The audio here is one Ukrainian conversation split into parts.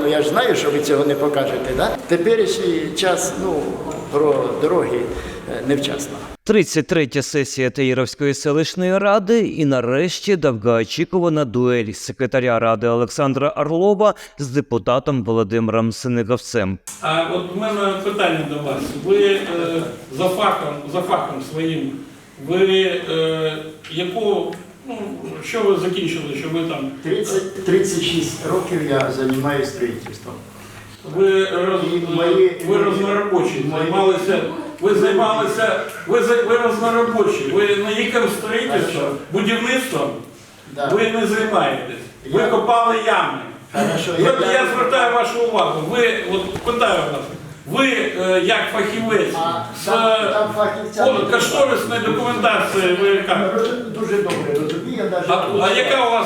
ну я ж знаю, що ви цього не покажете, да? Теперішній час, ну, про дороги невчасно. 33-я сесія Таїровської селищної ради і нарешті довгоочікувана дуель секретаря ради Олександра Орлова з депутатом Володимиром Синігавцем. А от у мене питання до вас. Ви за фахом своїм, ви що ви закінчили, що ви там? 36 років я займаюся строїтельством. Ви розноробочі, ви розноробочі, ви не яким строїтельством, будівництвом ви не займаєтесь. Ви копали ями. Я звертаю вашу увагу, питаю вас, ви як фахівець з кошторисної документації, ви як? Дуже добре розумію. А яка у вас,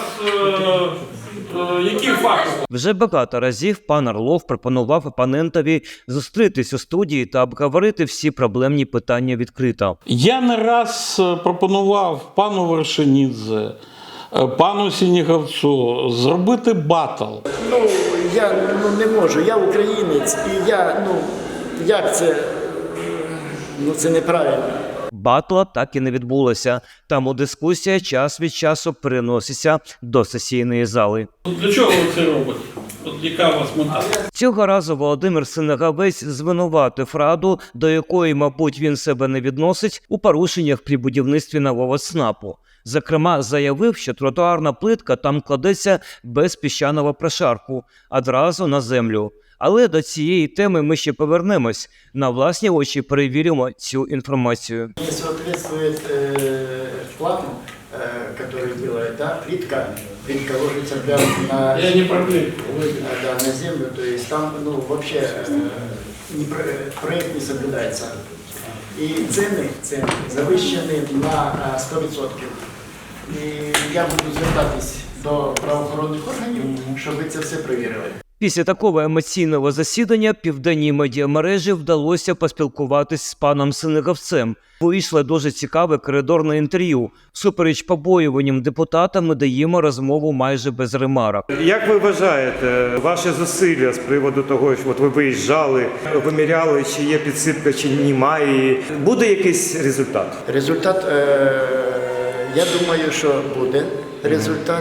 які факти? Вже багато разів пан Орлов пропонував опонентові зустрітись у студії та обговорити всі проблемні питання відкрито. Я не раз пропонував пану Вершинідзе, пану Синігавцю зробити батл. Ну, я не можу, я українець, і як це, це неправильно. Батла так і не відбулося, тому дискусія час від часу переноситься до сесійної зали. Для чого ви це робите? Яка у вас мета? Цього разу Володимир Синігавець звинуватив раду, до якої, мабуть, він себе не відносить, у порушеннях при будівництві нового ЦНАПу. Зокрема, заявив, що тротуарна плитка там кладеться без піщаного прошарку, одразу на землю. Але до цієї теми ми ще повернемось. На власні очі перевіримо цю інформацію. Не соответствует плану, который делает, да, плитка ложится прямо на, Я не про плитку. на землю, то есть там, вообще проект не соблюдается. И цены завищені на 100%. І я буду звертатись до правоохоронних органів, щоб ви це все перевірили. Після такого емоційного засідання південній медіамережі вдалося поспілкуватись з паном Синігавцем. Вийшло дуже цікаве коридорне інтерв'ю. Всупереч побоюванням депутата ми даємо розмову майже без ремарок. Як ви вважаєте, ваші зусилля з приводу того, що ви виїжджали, виміряли, чи є підсипка, чи немає, буде якийсь результат? Результат, я думаю, що буде результат.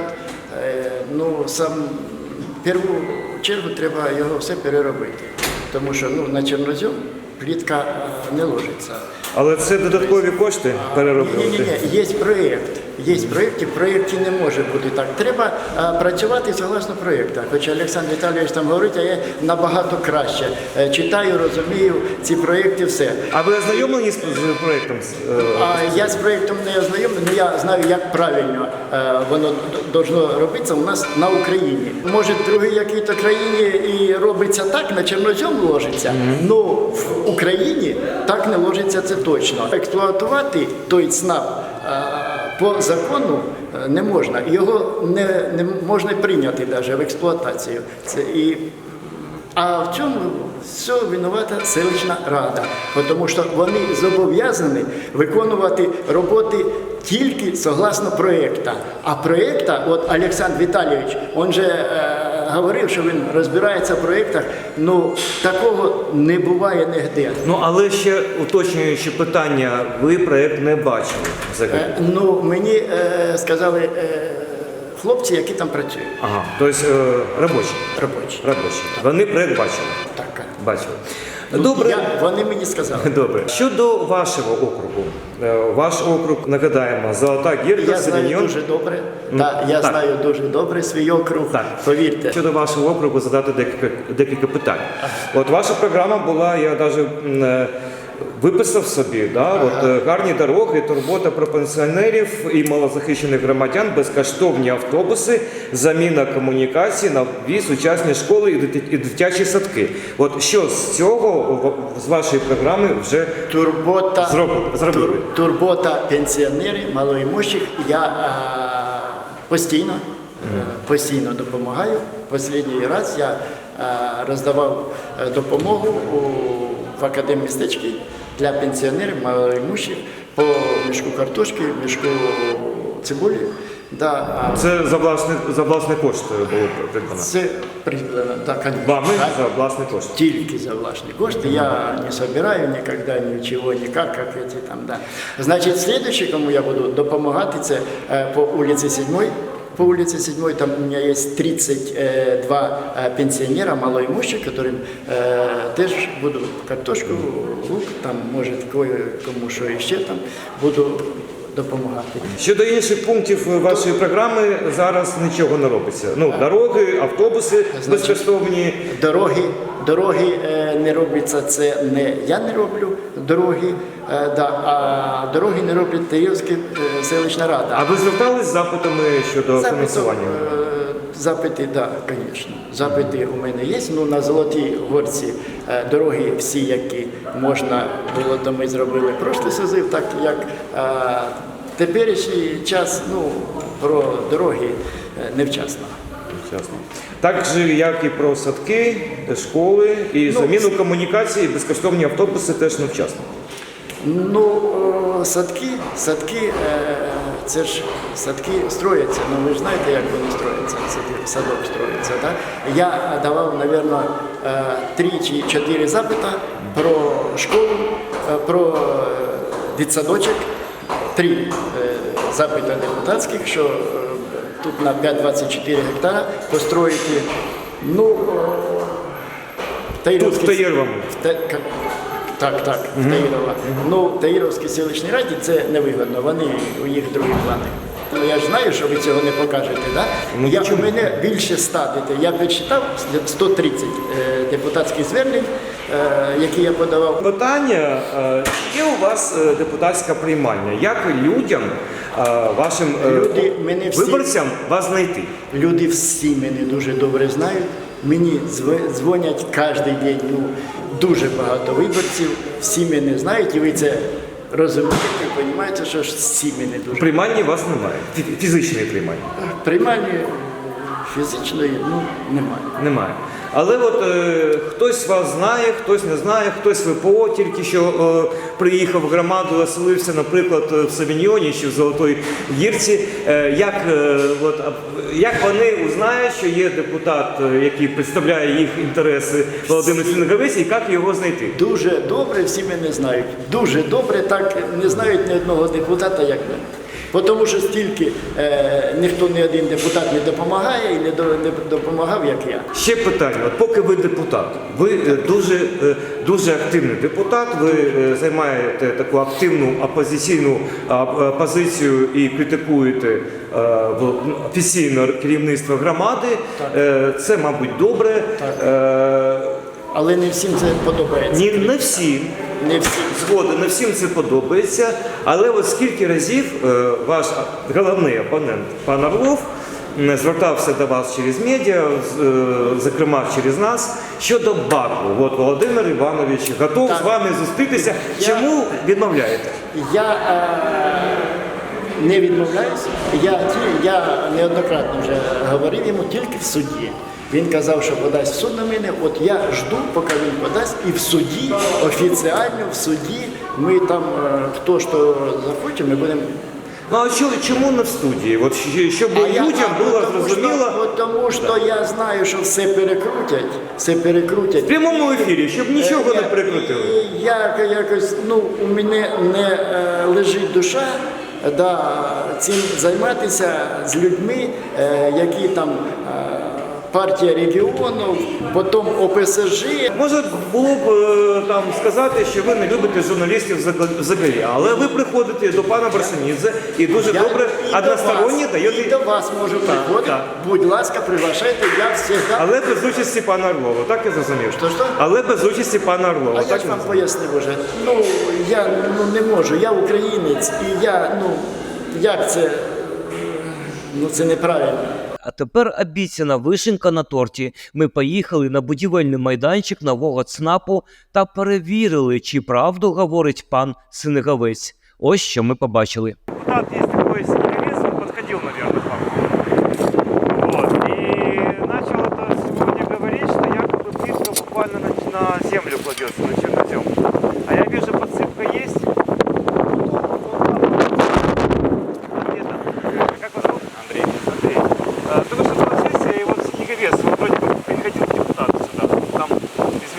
В першу чергу треба його все переробити, тому що на чорнозем плитка не ложиться. Але це додаткові кошти перероблювати? Ні, є проєкт. Є проєкт, і в проєкті не може бути так. Треба працювати согласно проєкту. Хоча Олександр Віталійович там говорить, а я набагато краще. Читаю, розумію ці проєкти, все. А ви ознайомлені з проєктом? Я з проєктом не ознайомлений, але я знаю, як правильно воно должно робитися у нас на Україні. Може, в другій якій-то країні і робиться так, на чорнозем ложиться, але в Україні так не ложиться, це точно. Експлуатувати той ЦНАП по закону не можна. Його не можна прийняти навіть в експлуатацію. А в цьому все винувата селищна рада, тому що вони зобов'язані виконувати роботи тільки согласно проєкту. А проєкта, от Олександр Віталійович, він же говорив, що він розбирається в проєктах, такого не буває ніде. Але ще уточнюючи питання, ви проєкт не бачили взагалі? Мені сказали хлопці, які там працюють. Ага, тобто робочі? Робочі. Вони проєкт бачили? Так. Бачили. Добре. Вони мені сказали. Добре. Щодо вашого округу. Ваш округ, нагадаємо, Золота Гірка, Я знаю дуже добре. Я знаю дуже добре свій округ, повірте. Щодо вашого округу задати декілька питань. От ваша програма була, я навіть виписав собі, гарні дороги, турбота про пенсіонерів і малозахищених громадян, безкоштовні автобуси, заміна комунікацій на дві сучасні школи і дитячі садки. От що з цього, з вашої програми вже зробили? Турбота пенсіонерів, малоімущих, я постійно допомагаю. Останній раз я роздавав допомогу в академмістечці для пенсіонерів, малоімущих, по мішку картошки, мішку цибулі. Да, а Це за власні кошти було придбано? це придбано, так, конечно. Вами за власні кошти? Тільки за власні кошти. Я не собираю никогда ничего, никак, как эти там, да. Значит, следующий, кому я буду допомагати, це по улице 7. По улице 7 там у меня есть 32 пенсионера малоимущих, которым теж буду картошку, лук, там, може, кому що ще там, буду допомагати. Щодо інших пунктів вашої програми зараз нічого не робиться. Ну, дороги, автобуси безкоштовні. Дороги не робляться, це не я не роблю дороги, а дороги не роблять Таїрівська селищна рада. А ви звертались з запитами щодо фінансування? Запити, так, звісно. Запити у мене є. Ну, на Золотій Горці дороги всі, які можна було, то ми зробили прошлий созив, так як теперішній час, ну, про дороги невчасно. Ясно. Так же, як і про садки, школи, і заміну комунікації, безкоштовні автобуси теж невчасно. Ну, садки, це ж садки строяться, ну ви ж знаєте, як вони строяться, садок строїться, так? Я давав, мабуть, 3 чи 4 запита про школу, про дитсадочок, 3 запита депутатських, що тут на 5-24 гектара построїти, ну, Тут в Таїровому. Так, в Таїрова. Ну, в Таїровській селищній раді це невигодно, у їх другі плани. Ну, я ж знаю, що ви цього не покажете, да? У мене більше 100 дітей. Я підсчитав 130 депутатських звернень, які я подавав. Питання, є у вас депутатська приймальня? Як людям, вашим виборцям вас знайти? Люди всі мене дуже добре знають. Мені дзвонять кожен день, ну, дуже багато виборців, всі мене знають, і ви це розумієте, розумієте, що ж всі мене дуже. Приймальні у вас немає, фізичної приймальні? Приймальні фізичної, ну, немає. Немає. Але от хтось вас знає, хтось не знає, хтось ВПО тільки що приїхав в громаду, оселився, наприклад, в Савіньйоні чи в Золотій Гірці. Як вони узнають, що є депутат, який представляє їх інтереси, Володимир Синегавець, і як його знайти? Дуже добре всі мене знають. Дуже добре, так не знають ні одного депутата, як мене. Тому що стільки ніхто, ні один депутат не допомагає і не допомагав, як я. Ще питання. От поки ви депутат, ви дуже активний депутат, ви займаєте таку активну опозиційну позицію і критикуєте офіційне керівництво громади. Це, мабуть, добре. Але не всім це подобається. Не всім. Не всім. Згоден, не всім це подобається, але от скільки разів ваш головний опонент, пан Орлов, звертався до вас через медіа, зокрема через нас, щодо БАКу. От Володимир Іванович готов з вами зустрітися. Чому відмовляєте? Я не відмовляюся. Я неоднократно вже говорив йому тільки в суді. Він казав, що подасть в суд на мене. От я жду, поки він подасть, і в суді, офіціально в суді, ми там, хто що захоче, ми будемо. Ну а чому не в студії? От, щоб людям було зрозуміло. Тому що я знаю, що все перекрутять. В прямому ефірі, щоб нічого не перекрутили. Я якось, ну, у мене не лежить душа, цим займатися з людьми, які там партія регіону, потім ОПСЖ. Може було б там сказати, що ви не любите журналістів взагалі, але ви приходите до пана Барсанідзе і дуже добре односторонньо даєте. І до вас можу приходити. Будь ласка, приглашайте, я завжди. Але без участі пана Орлова, так я зрозумів? Що? Але без участі пана Орлова. А я ж вам пояснив уже. Ну, я не можу, я українець, і я, як це, це неправильно. А тепер обіцяна вишенька на торті. Ми поїхали на будівельний майданчик нового ЦНАПу та перевірили, чи правду говорить пан Синегавець. Ось що ми побачили. Депутат, есть такой Синегавец, он подходил, наверное, к вам. Вот. И начал это сегодня говорить, что якобы плитка буквально на землю кладется, на чернозем. А я вижу, подсыпка есть. Где-то. Как вас зовут?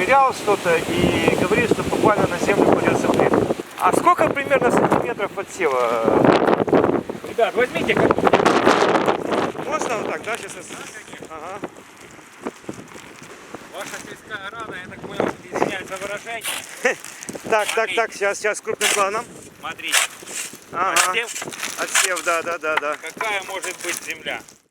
проверял что-то и говорит, что буквально на землю придется плитка. А сколько примерно сантиметров отсева? Ребят, возьмите. Можно вот так, да? Сейчас. Ага. Ваша сельская рада, я так понял, извиняюсь за выражение. Так, сейчас крупным планом. Смотрите. Ага. Отсев? Отсев, да. Какая может быть земля?